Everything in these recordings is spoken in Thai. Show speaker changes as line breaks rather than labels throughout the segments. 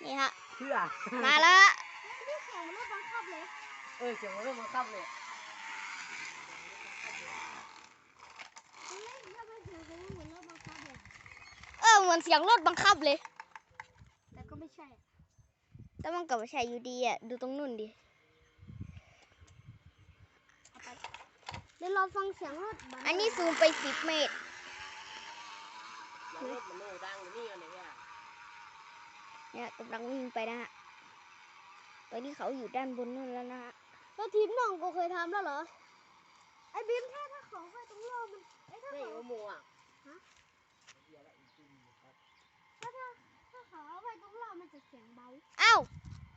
นี่ฮะ
เพื่อ
มาแล้ว
นี่เสียงมันรถบังคับเลย
เสียงมันเริ่มบังคับเลย
เหมือนเสียงรถบังคับเลย
แต่ก็ไม่ใช่
แต่มันก็ไม่ใช่อยู่ดีอ่ะดูตรงนู่นดิ
เดี๋ยวเราฟังเสียงรถ
อันนี้ซูมไป10 เมตร
รถมันโน่ดังนี่อะไรเนี่ย
เนี่ยกำลังวิ่งไปนะฮะตอนนี้เขาอยู่ด้านบนนู่นแล้วนะฮะ
แล้วทีมน้องก็เคยทำแล้วเหรอไอ้บีมถ้าเขาไปตรงโลมันไอ้ถ้า
ไม่
เขา
โมอ่ะ
ถ้าเขาเอาไปตรงโลมันจะเสียงเบา
อ้าว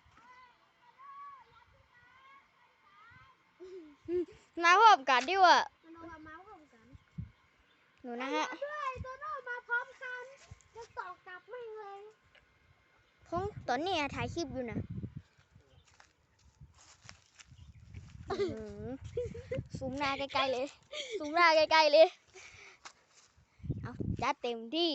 มาพร้อมกันดิวะ
มันเอามาพร้อมกัน
หนูนะฮะ
ด้วยตัวโลมาพร้อมกันจะต่อกลับไม่เลย
ของตอนนี้ถ่ายคลิปอยู่นะซูมหน้าใกล้ๆเลยซูมหน้าใกล้ๆเลยเอาจัดเต็มที่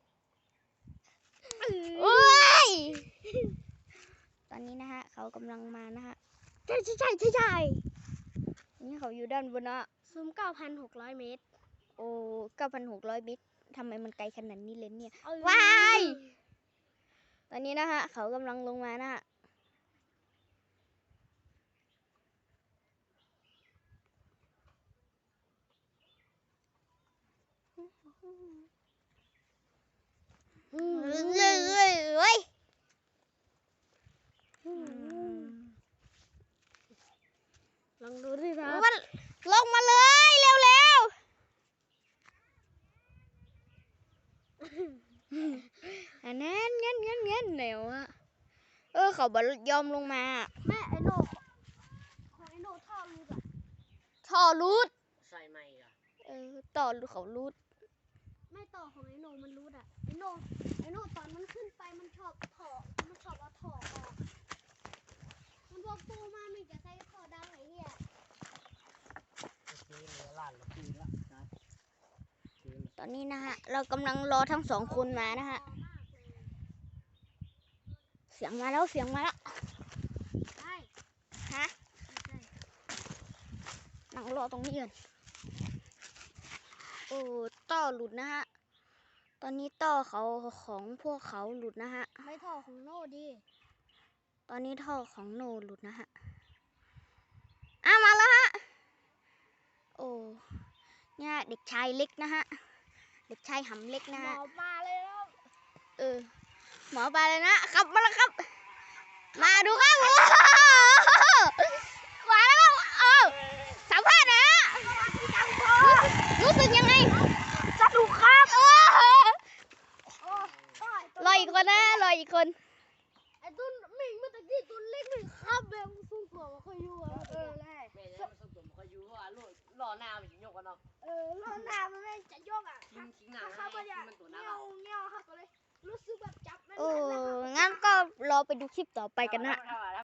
โอ้ยตอนนี้นะฮะเขากำลังมานะฮะใช่นี่เขาอยู่ด้านบนนะ
ซูม 9,600 เมตร
โอ้ 9,600 เมตรทำไมมันไกลขนาดนี้เลยเนี่ย
ว้
าย ตอนนี้นะฮะเขากำลังลงมานะฮะเฮ้ย
ลองดูดิครับ
มันลงมาเลยเร็วๆอันนั้นเงี้ยเหนียวอะเขาบยอมลงมา
แม่ไอโน่ของไอโน่ท่อรูดอ่ะ
ท่อรูด
ใส่ไม่อ่ะ
ต่อเขารูด
ไม่ต่อของไอโน่มันรูดอ่ะไอโน่ตอนมันขึ้นไปมันชอบเอาท่อออกมันบอกปูมามันจะใส่ท่อดังไอ้เหี้ย
เหลือล้านละปีละครับ
ตอนนี้นะฮะเรากำลังรอทั้งสองคนมานะฮะเสียงมาแล้ว
ใช่
ฮะนั่งรอตรงนี้ก่อนโอ้ต่อหลุดนะฮะตอนนี้ต่อเขาของพวกเขาหลุดนะฮะ
ไม่ท่อของโน่ดิ
ตอนนี้ท่อของโนหลุดนะฮะมาแล้วฮะโอ้เนี่ยเด็กชายเล็กนะฮะเด็กชายหำเล็กนะ
หม
ฮะ
อปลาเลยแล้ว
หมอไปเลยนะครับมาแล้วครับ มาดูครับมาแล้วสัมภาษณ์นะฮะรู้สึกยังไงสนุกครับรออีกคนนะรออีกคน
ไอ้ตุ้นมิงเมื่อตะกี้ตุ้นเล็กหนึ่งครับแบบสูงกว่าเขาอยู่อ่ะแรก
แม่จะผสมตัวมันก็อยู่เพราะว่าล่อหน้ามันจะยกกันเนาะ
รอบหน้ามันไม่จะยกอ่ะ
ทิ้งหน้า
ถ้าเขา
ให้
ไม่อยาก
มันตัวห
เงี้
น้า
ยวเงี้ยวครับก็เลยรู้สึกแบบจับไม่
โอ้
ได้
งั้นก็รอไปดูคลิปต่อไปกันนะ
เท่าไหร่